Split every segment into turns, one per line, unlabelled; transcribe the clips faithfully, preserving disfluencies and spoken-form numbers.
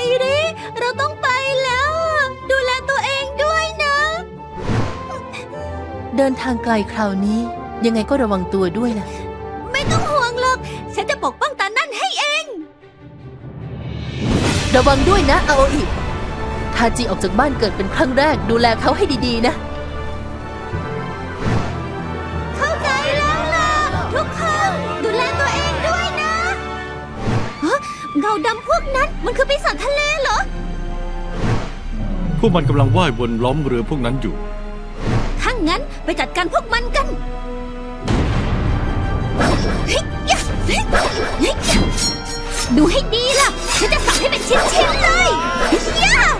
ริเราต้องไปแล้วดูแลตัวเองด้วยนะ
เดินทางไกลคราวนี้ยังไงก็ระวังตัวด้วยนะ
ไม่ต้องห่วงหรอกฉันจะปกป้องตานั่นให้เอง
ระวังด้วยนะอาโออิทาจิออกจากบ้านเกิดเป็นครั้งแรกดูแลเขาให้ดีๆนะ
เข้าใจแล้วล่ะทุกคนดูแลตัวเองด้วยนะฮะเงาดำพวกนั้นมันคือปีศาจทะเลเหรอ
พวกมันกำลังว่ายวนล้อมเรือพวกนั้นอยู่
ถ้างั้นไปจัดการพวกมันกันดูให้ดีล่ะฉันจะสับให้เป็นชิ้นๆเลยย่า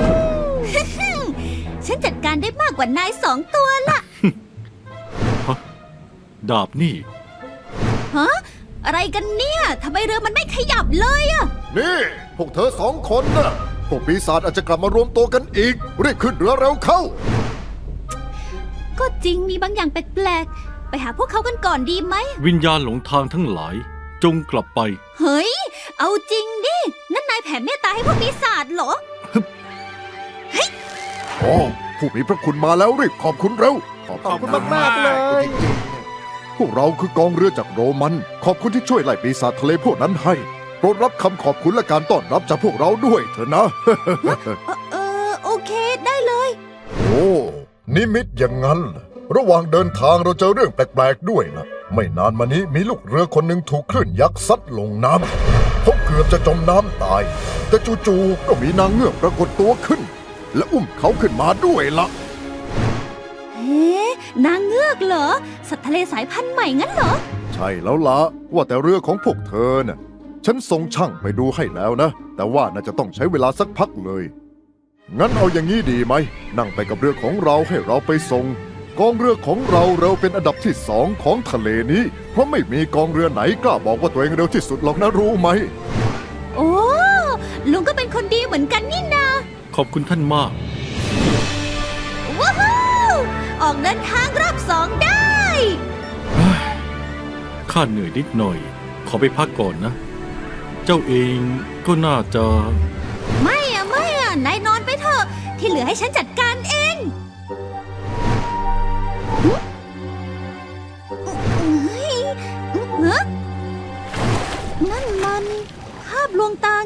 ฉันจัดการได้มากกว่านายสองตัวละ
ฮะดาบนี่
ฮะอะไรกันเนี่ยทำไมเรือมันไม่ขยับเลยอะ
นี่พวกเธอสองคนน่ะพวกปีศาจอาจจะกลับมารวมตัวกันอีกรีบขึ้นเรือเร็วเข้า
ก็จริงมีบางอย่างแปลกๆไปหาพวกเขากันก่อนดีไหม
วิญญาณหลงทางทั้งหลายจงกลับไป
เฮ้ยเอาจริงดินั่นนายแผ่เมตตาให้พวกปีศาจเหรอ
เฮ้ยโอ้ผู้มีพระคุณมาแล้วรีบขอบคุณเร็ว
ขอบคุณมากๆเลย
พวกเราคือกองเรือจากโรมันขอบคุณที่ช่วยไล่ปีศาจทะเลพวกนั้นให้โปรดรับคำขอบคุณและการต้อนรับจากพวกเราด้วยเถอะนะ
เออโอเคได้เลย
โอ้นิมิตอย่างนั้นระหว่างเดินทางเราเจอเรื่องแปลกๆด้วยนะไม่นานมานี้มีลูกเรือคนหนึ่งถูกคลื่นยักษ์ซัดลงน้ำเขาเกือบจะจมน้ำตายแต่จู่ๆก็มีนางเงือกปรากฏตัวขึ้นและอุ้มเขาขึ้นมาด้วยละ
เฮ้นางเงือกเหรอสัตว์ทะเลสายพันธุ์ใหม่งั้นเหรอ
ใช่แล้วละว่าแต่เรือของพวกเธอน่ะฉันส่งช่างไปดูให้แล้วนะแต่ว่าน่าจะต้องใช้เวลาสักพักเลยงั้นเอาอย่างนี้ดีไหมนั่งไปกับเรือของเราให้เราไปส่งกองเรือของเราเราเป็นอันดับที่สองของทะเลนี้เพราะไม่มีกองเรือไหนกล้าบอกว่าตัวเองเร็วที่สุดหรอกนะรู้ไหม
โอ้ลุงก็เป็นคนดีเหมือนกันนี่นา
ขอบคุณท่านมาก
ว้าวออกเดินทางรอบสองได้
ข้าเหนื่อยนิดหน่อยขอไปพักก่อนนะเจ้าเองก็น่าจะ
ไม่อะไม่อะนายนอนไปเถอะที่เหลือให้ฉันจัดการเองฮะนั่นมันภาพลวงตา